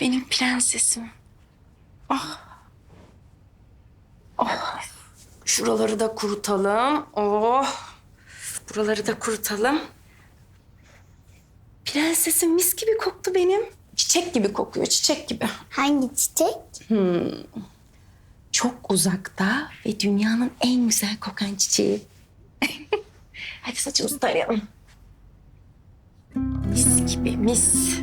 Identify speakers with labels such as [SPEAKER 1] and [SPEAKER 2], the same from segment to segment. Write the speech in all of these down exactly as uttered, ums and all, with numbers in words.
[SPEAKER 1] Benim prensesim. Ah. Oh. Şuraları da kurutalım. Oh. Buraları da kurutalım. Prensesim mis gibi koktu benim. Çiçek gibi kokuyor, çiçek gibi.
[SPEAKER 2] Hangi çiçek?
[SPEAKER 1] Hmm. Çok uzakta ve dünyanın en güzel kokan çiçeği. Hadi saçımızı tarayalım. Mis gibi, mis.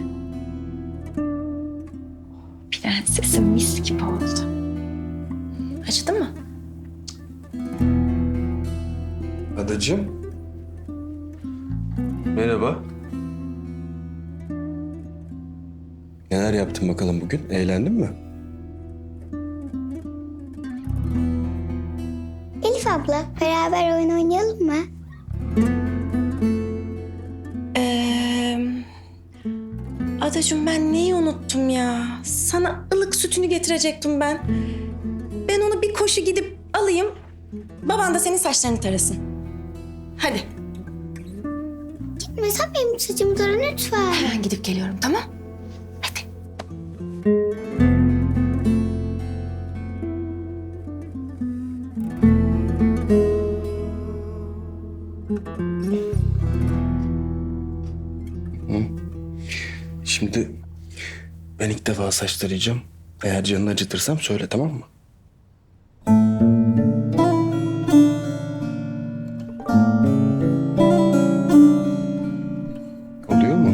[SPEAKER 1] Prensesim mis gibi oldu. Acıdı mı?
[SPEAKER 3] Adacığım. Merhaba. Neler yaptın bakalım bugün? Eğlendin mi?
[SPEAKER 2] Elif abla, beraber oyun oynayalım mı?
[SPEAKER 1] Ee, Adacığım ben neyi unuttum ya? Sana ılık sütünü getirecektim ben. Ben onu bir koşu gidip alayım. Baban da senin saçlarını tarasın. Hadi.
[SPEAKER 2] Gitme, sen benim saçımı tara lütfen.
[SPEAKER 1] Hemen gidip geliyorum, tamam? Hadi.
[SPEAKER 3] Şimdi ben ilk defa saç tarayacağım. Eğer canını acıtırsam söyle, tamam mı? Oluyor mu?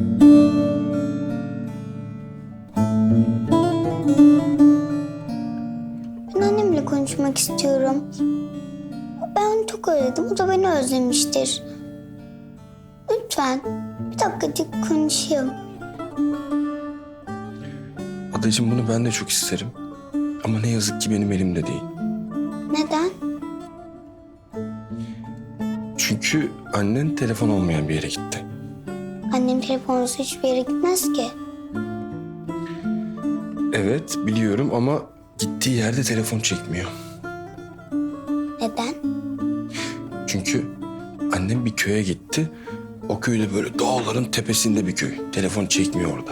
[SPEAKER 2] Ben annemle konuşmak istiyorum. Ben onu çok özledim, o da beni özlemiştir. Lütfen bir dakikacık konuşayım.
[SPEAKER 3] Adacığım bunu ben de çok isterim. Ama ne yazık ki benim elimde değil.
[SPEAKER 2] Neden?
[SPEAKER 3] Çünkü annen telefon olmayan bir yere gitti.
[SPEAKER 2] Annem telefonsuz hiçbir yere gitmez ki.
[SPEAKER 3] Evet biliyorum ama gittiği yerde telefon çekmiyor.
[SPEAKER 2] Neden?
[SPEAKER 3] Çünkü annem bir köye gitti. O köyde böyle dağların tepesinde bir köy. Telefon çekmiyor orada.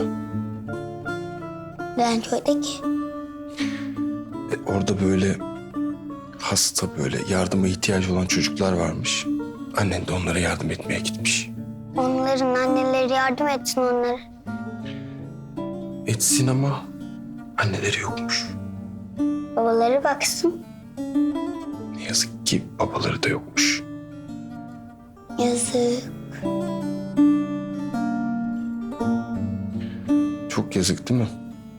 [SPEAKER 2] Neden köyde ki?
[SPEAKER 3] E, orada böyle hasta böyle yardıma ihtiyacı olan çocuklar varmış. Annen de onlara yardım etmeye gitmiş.
[SPEAKER 2] Onların anneleri yardım etsin onlara.
[SPEAKER 3] Etsin ama anneleri yokmuş.
[SPEAKER 2] Babaları baksın.
[SPEAKER 3] Ne yazık ki babaları da yokmuş.
[SPEAKER 2] Yazık.
[SPEAKER 3] Çok yazık değil mi?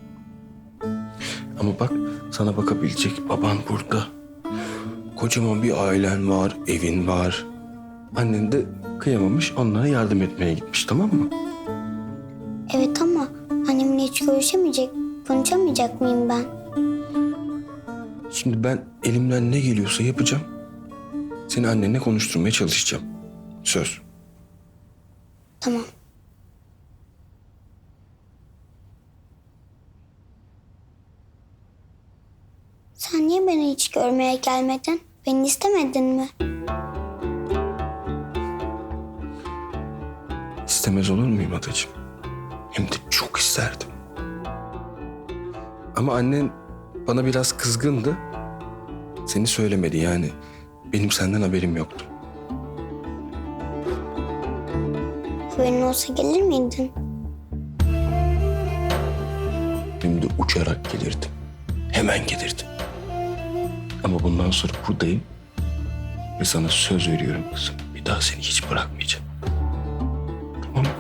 [SPEAKER 3] Ama bak sana bakabilecek baban burada. Kocaman bir ailen var, evin var. Annen de kıyamamış, onlara yardım etmeye gitmiş, tamam mı?
[SPEAKER 2] Evet ama annemle hiç görüşemeyecek, konuşamayacak mıyım ben?
[SPEAKER 3] Şimdi ben elimden ne geliyorsa yapacağım. Seni annenle konuşturmaya çalışacağım. Söz.
[SPEAKER 2] Tamam. Sen niye beni hiç görmeye gelmedin? Beni istemedin mi?
[SPEAKER 3] İstemez olur muyum adacığım? Hem de çok isterdim. Ama annen bana biraz kızgındı. Seni söylemedi yani. Benim senden haberim yoktu.
[SPEAKER 2] Haberin olsa gelir miydin?
[SPEAKER 3] Hem de uçarak gelirdim. Hemen gelirdim. Ama bundan sonra buradayım. Ve sana söz veriyorum kızım. Bir daha seni hiç bırakmayacağım. Tamam mı?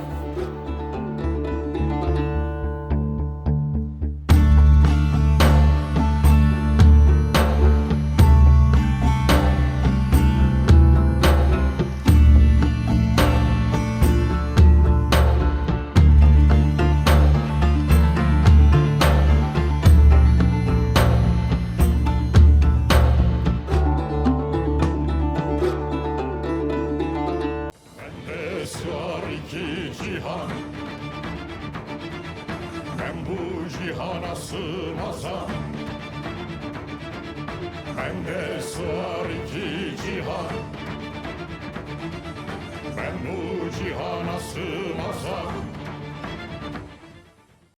[SPEAKER 4] Sığar iki cihan, ben bu cihana sığmazam. Bende sığar iki cihan, ben bu cihana sığmazam.